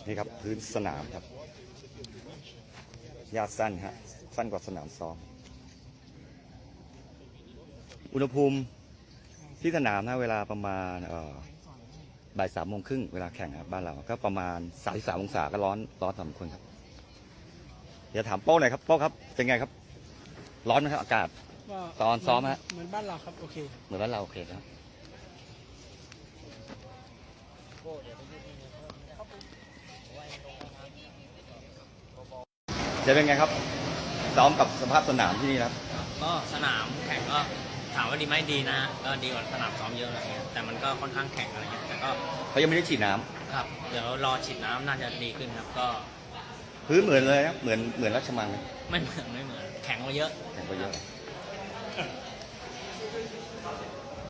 นี่ครับพื้นสนามครับหญ้าสั้นฮะสั้นกว่าสนามซ้อมอุณหภูมิที่สนามนะเวลาประมาณบ่าย3:30เวลาแข่งครับบ้านเราก็ประมาณ33 องศาก็ร้อนพอสมควรครับเดี๋ยวถามโป้หน่อยครับโป้ครับเป็นไงครับร้อนไหมครับอากาศตอนซ้อมฮะเหมือนบ้านเราครับโอเคเหมือนบ้านเราโอเคครับจะเป็นไงครับซ้อมกับสภาพสนามที่นี่ครับก็สนามแข่งก็ถามว่าดีไหมดีนะก็ดีกว่าสนามซ้อมเยอะอะไรเงี้ยแต่มันก็ค่อนข้างแข็งอะไรเงี้ยแต่ก็เขายังไม่ได้ฉีดน้ำครับเดี๋ยวรอฉีดน้ำน่าจะดีขึ้นครับก็พื้นเหมือนเลยครับเหมือนราชมังไหมไม่เหมือนแข็งกว่าเยอะแข็งกว่าเยอะ